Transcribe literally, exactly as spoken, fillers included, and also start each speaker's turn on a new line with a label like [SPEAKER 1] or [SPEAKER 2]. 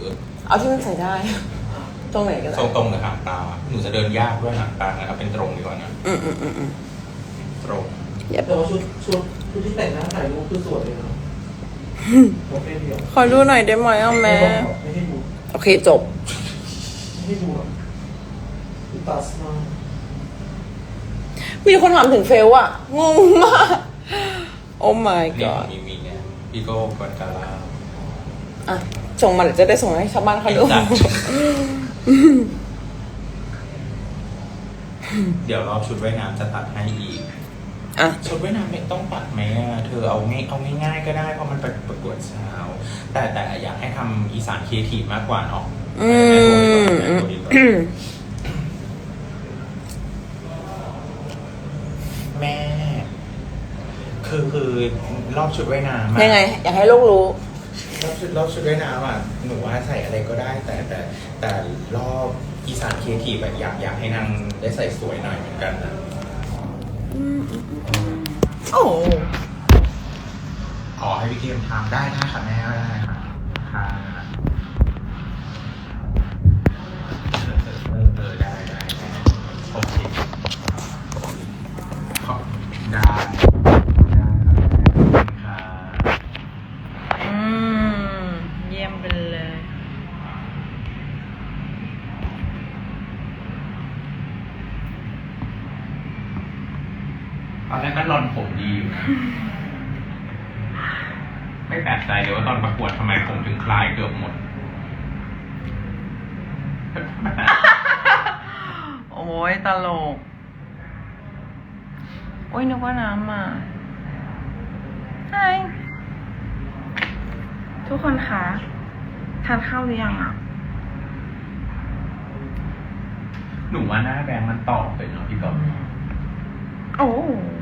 [SPEAKER 1] เอาที่มันใส่ได้ตรงไหนก็ได้
[SPEAKER 2] ทรงตรงหรือหางตาหนูจะเดินยากด้วยหางตานะครับเป็นตรงดีกว่านะ
[SPEAKER 1] อืมอืมอืมอืม
[SPEAKER 2] ตรง
[SPEAKER 3] แต่ว่าชุดชุดชุดที่แต่งหน้าถ่ายรูปคือสวยเลยนะโอเคเดียว
[SPEAKER 1] ขอดูหน่อยได้ไหมอ่ะแม่
[SPEAKER 3] ไม่ให้ดู
[SPEAKER 1] โอเคจบ
[SPEAKER 3] ไม่ให้ดูหรอกตัดมา
[SPEAKER 1] มีคนถามถึงเฟลอะงงมากโอ้ my
[SPEAKER 2] นี่
[SPEAKER 1] god
[SPEAKER 2] มีมีเนี่ยพี่โก้กวนกาลา
[SPEAKER 1] อ่ะส่งมาเดี๋ยวจะได้ส่งให้ชาวบ้านเขาดู
[SPEAKER 2] เดี๋ยวรอบชุดว่ายน้ำจะตัดให้อีก
[SPEAKER 1] อ่ะ
[SPEAKER 2] ชุดว่ายน้ำไม่ต้องตัดไหมอ่ะเธอเอาง่ายเอาง่ายๆก็ได้เพราะมันเป็นประกวดเช้าแต่แต่อยากให้ทำอีสานครีเอทีฟมากกว่าเนาะอืมแม่คือคือรอบชุดว่ายน้ำ
[SPEAKER 1] ยังไงอยากให้ลูกรู้
[SPEAKER 2] รอบชุดรอบชุดว่ายน้ำอ่ะหนูว่าใส่อะไรก็ได้แต่แต่แต่รอบอีสานครีเอทีฟแบบอยากอยากให้นางได้ใส่สวยหน่อยเหมือนกันนะ
[SPEAKER 1] โอ้
[SPEAKER 2] ขอให้พี่เกมทำได้นะค่ะแม่ก็ได้ค่ะค่ะเออเออได้ได้โอเคขอได้ได้ค่ะ
[SPEAKER 1] อืมเยี่ยมไปเลย
[SPEAKER 2] ตอนแรกก็รอนผมดีอยู่นะไม่แปลกใจเลยว่าตอนประกวดทำไมผมถึงคลายเกือบหมด
[SPEAKER 1] โอ้ยตลกโอ้ยนึกว่าน้ำมาไฮทุกคนคะทานข้าวหรือยังอ่ะ
[SPEAKER 2] หนูว่าหน้าแบงค์มันตอบเลยเนาะพี่ก๊อฟ
[SPEAKER 1] โอ้